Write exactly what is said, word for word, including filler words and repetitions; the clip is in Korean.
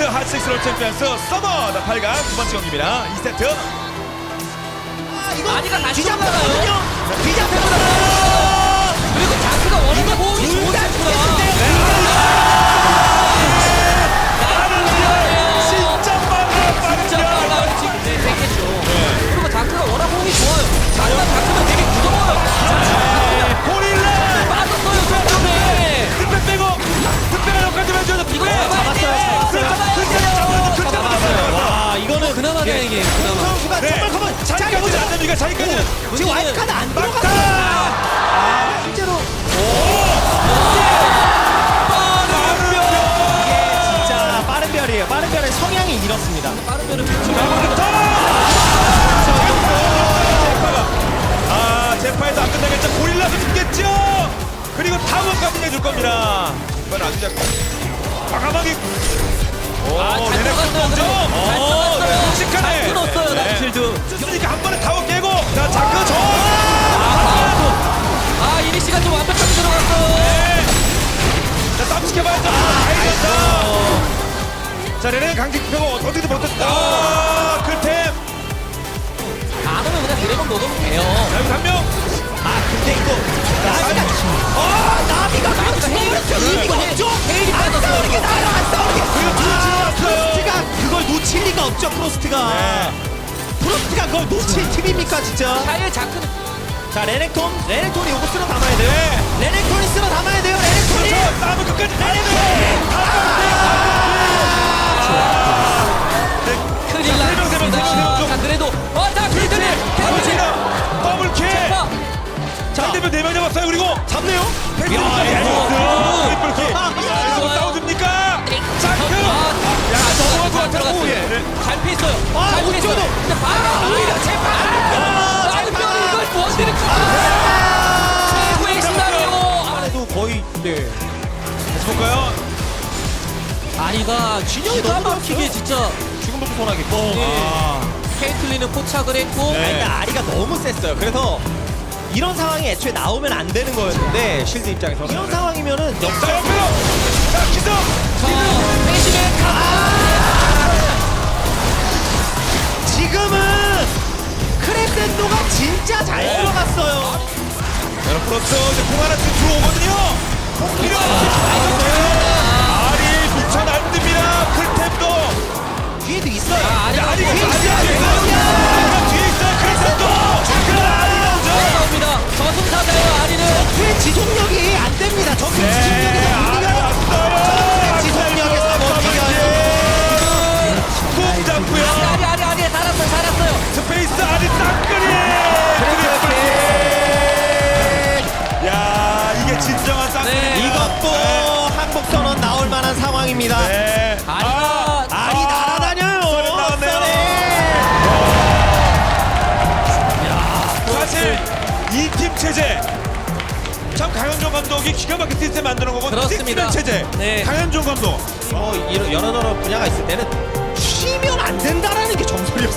핫식스로 챔피언스 서머 팔 강 두 번째 경기입니다. 이 세트. 아, 이거 아니가 다시 뒤잡혔거든요. 뒤잡혔어요. 그리고 자크가 워낙 호흡이 좋은 둘다 선수라. 진짜 빨라 진짜 빠르죠. 빨라. 지금 네, 되겠죠. 그리고 자크가 워낙 호흡이 좋아요. 자크가 자크가 되게 무서워요. 고릴라 빠졌어요, 저쪽에. 득배 빼고 득배가 역할 좀 해줘야 돼. 이거 득배. 잡았어요, 득배 잡았어요. 잡았어요. 와, 이거는 그나마 다행이에요, 그나마. 선수가 정말 커먼. 자, 자기까지 보자. 안 됩니까? 자기까지는. 지금 와이프카드 안 들어갔어. 막다. 실제로 빠른 이게 진짜 빠른 별이에요. 빠른 별의 성향이 이렇습니다. 빠른 별은 그렇죠. 아, 제파에서 안 끝나겠죠. 고릴라도 죽겠죠. 그리고 타워까지 내줄 겁니다. 이건 안 잡고 과감하게. 오, 아, 잘 레넥톤 들어갔어요. 먼저. 잘 오, 들어갔어요. 네, 묵직하네. 잘 끊었어요, 네. 나필드. 쓰니까 한 번에 타워 깨고. 자, 자크 저. 아, 이리 씨가 좀 완벽하게 들어갔어요. 자, 땀 지켜봐야죠. 아이겼다. 자, 레넥 강직 펴고 어디도 버텼다. 아, 그템. 안 오면 그냥 드래곤 먹으면 돼요. 자, 여기 한 명. 아, 근데 이거 나비가 아, 나비가 그렇죠. 의미가 없죠. 헤일이 안 빠졌어요. 싸우는 게 나아요. 안 싸우는 게. 그리고 둘 지나갔어요. 프로스트가 그걸 놓칠 리가 없죠. 프로스트가. 네. 프로스트가 그걸 놓칠 팀입니까 진짜? 샤이의 자크는 자, 레넥톤. 레넥톤이 요거 쓸어 담아야 돼요. 네. 레넥톤이 쓸어 담아야 돼요. 레넥톤이. 그렇죠. 싸움은 끝까지 가야 돼. 큰일 세 명, 세 명, 세 명, 세 명 좀. 났습니다. 자, 그래도 어, 자, 킬드네. 더블킬. 더블킬. 자, 상대편 네명 잡았어요. 그리고 잡네요. 펜스 야, 이플킬. 야, 이거 싸워줍니까? 자크. 야, 넘어갈 것 같다고. 예. 잘 피했어요. 아, 잘 피했어요. 우측으로. 근데 바로 오히려 제발. 빠른 별이 이걸 원딜을 최고의 시나리오. 안에도 거의 네. 다시 볼까요? 아니가 진영이 너무 너무 막히게 좋았어요. 진짜 지금부터 손하겠고. 네. 아. 케이틀린은 포착을 했고 네. 일단 아리가 너무 셌어요. 그래서 이런 상황이 애초에 나오면 안 되는 거였는데 실드 입장에서 이런 상황이면은 역 자, 옆으로. 자, 기성. 자, 패시백 지금은 크레센도가 진짜 잘 들어갔어요. 여러분, 그렇죠. 이제 공 하나씩 들어오거든요. 공 필요. 아리 미쳐 날듭니다. 클템도. 뒤에도 있어요. 아, 아리가 야, 아리가 뒤에 아리가 있어요. 뒤에 있어요. 아리가 뒤에 있어요. 클템도. 그 아리가 오죠. 나옵니다. 저승사자예요 아리는. 적의 지속력이 안 됩니다. 적의 네, 지속력에서 못 아리 이겨요. 왔어요. 적의 지속력에서 못 이겨요. 공 잡고요. 아리 아리 아리 살았어요 살았어요. 스페이스 아리 땅끌이. 야, 이게 진정한 땅끌이. 네. 이것도 항복 선언 나올 만한 상황입니다. 네. 아리가 아리 날아다녀요. 썰이 나왔네요. 썰이. 사실 이 팀 체제 참 강현종 감독이 기가 막힌 시스템 만드는 거고 그렇습니다. 틱스맨 체제 네. 강현종 감독 뭐 이런 여러 여러 분야가 있을 때는 쉬면 안 된다라는 게 정설이었어요.